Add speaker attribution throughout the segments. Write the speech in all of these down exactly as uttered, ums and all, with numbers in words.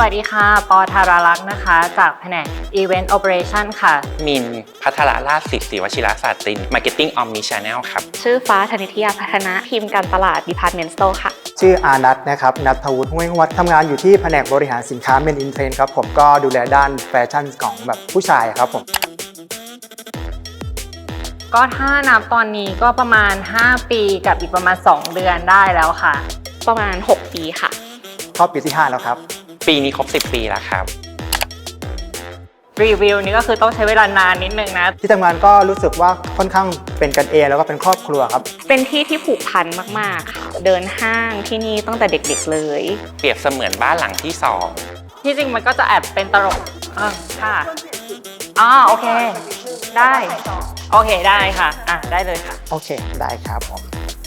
Speaker 1: วัสดีค่ะปอธาราลักษณ์นะคะจากแผนก Event Operation ค่ะ
Speaker 2: มินพัทรราชศิษย์ศิวชิรศาสตริน Marketing Omnichannel ครับ
Speaker 3: ชื่อฟ้าธนิตยาพัฒนะทีมการตลาด Department Store ค่ะ
Speaker 4: ชื่ออานัทนะครับนัทวุฒิห้วยวัดทำงานอยู่ที่แผนกบริหารสินค้า Men in Trend ครับผมก็ดูแลด้านแฟชั่นของแบบผู้ชายครับผม
Speaker 1: ก็ถ้านับตอนนี้ก็ประมาณห้าปีกับอีกประมาณสองเดือนได้แล้วค่ะ
Speaker 3: ประมาณหกปีค่ะ
Speaker 4: เข้าปีที่ห้าแล้วครับ
Speaker 2: ปีนี้ครบสิบปีแล้วครับ
Speaker 1: รีวิวนี้ก็คือต้องใช้เวลานานนิดนึงนะ
Speaker 4: ที่ทำงานก็รู้สึกว่าค่อนข้างเป็นกันเองแล้วก็เป็นครอบครัวครับ
Speaker 3: เป็นที่ที่ผูกพันมากๆค่ะเดินห้างที่นี่ตั้งแต่เด็กๆเลย
Speaker 2: เปรียบเสมือนบ้านหลังที่สอง
Speaker 1: ที่จริงมันก็จะแอบเป็นตลกอ่าค่ะอ๋อโอเคได้โอเคได้ค่ะอ่ะได้เลยค่ะ
Speaker 4: โอเคได้ครับผม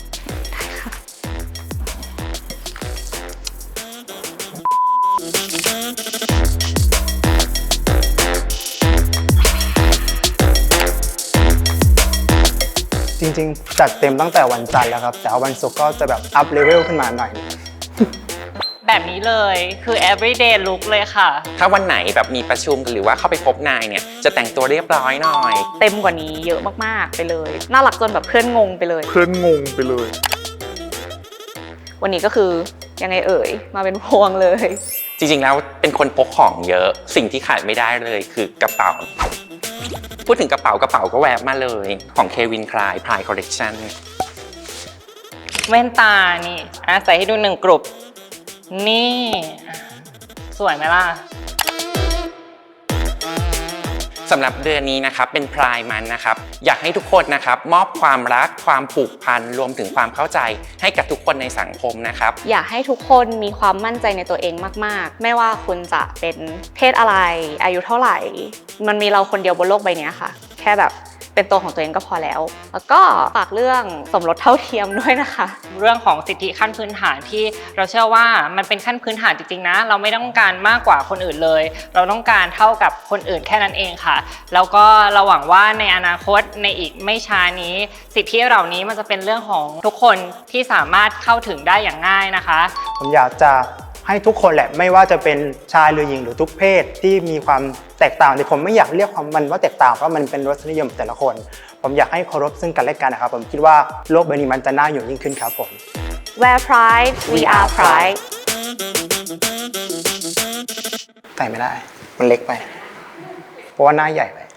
Speaker 4: จริงๆจัดเต็มตั้งแต่วันจันทร์แล้วครับแต่วันศุกร์ก็จะแบบอัพเลเวลขึ้นมาหน่อย
Speaker 1: แบบนี้เลยคือ everyday look เลยค่ะ
Speaker 2: ถ้าวันไหนแบบมีประชุมหรือว่าเข้าไปพบนายเนี่ยจะแต่งตัวเรียบร้อยหน่อย
Speaker 3: เต็มกว่านี้เยอะมากๆไปเลยน่ารักจนแบบเพื่อนงงไปเลย
Speaker 4: เพื่อนงงไปเลย
Speaker 3: วันนี้ก็คือยังไงเอ่ยมาเป็นพวงเลย
Speaker 2: จริงๆแล้วเป็นคนพกของเยอะสิ่งที่ขาดไม่ได้เลยคือกระเป๋าพูดถึงกระเป๋ากระเป๋าก็แวบมาเลยของ Calvin Klein Pride Collection
Speaker 1: แว่นตานี่อ่ะใส่ให้ดูหนึ่งกลุ่มนี่สวยไหมล่ะ
Speaker 2: สำหรับเดือนนี้นะครับเป็นพรายมันนะครับอยากให้ทุกคนนะครับมอบความรักความผูกพันรวมถึงความเข้าใจให้กับทุกคนในสังคมนะครับ
Speaker 3: อยากให้ทุกคนมีความมั่นใจในตัวเองมากๆไม่ว่าคุณจะเป็นเพศอะไรอายุเท่าไหร่มันมีเราคนเดียวบนโลกใบนี้ค่ะแค่แบบเป็นตัวของตัวเองก็พอแล้วแล้วก็ฝากเรื่องสมรสเท่าเทียมด้วยนะคะ
Speaker 1: เรื่องของสิทธิขั้นพื้นฐานที่เราเชื่อว่ามันเป็นขั้นพื้นฐานจริงๆนะเราไม่ต้องการมากกว่าคนอื่นเลยเราต้องการเท่ากับคนอื่นแค่นั้นเองค่ะแล้วก็เราหวังว่าในอนาคตในอีกไม่ช้านี้สิทธิเหล่านี้มันจะเป็นเรื่องของทุกคนที่สามารถเข้าถึงได้อย่างง่ายนะคะ
Speaker 4: ผมอยากจะให้ทุกคนแหละไม่ว่าจะเป็นชายหรือหญิงหรือทุกเพศที่มีความแตกต่างแต่ผมไม่อยากเรียกความมันว่าแตกต่างเพราะมันเป็นรสนิยมแต่ละคนผมอยากให้เคารพซึ่งกันและกันนะครับผมคิดว่าโลกใบนี้มันจะน่าอยู่ยิ่งขึ้นครับผม
Speaker 3: Wear pride we are pride
Speaker 4: ใส่ไม่ได้มันเล็กไปเพราะว่าหน้าใหญ่ไป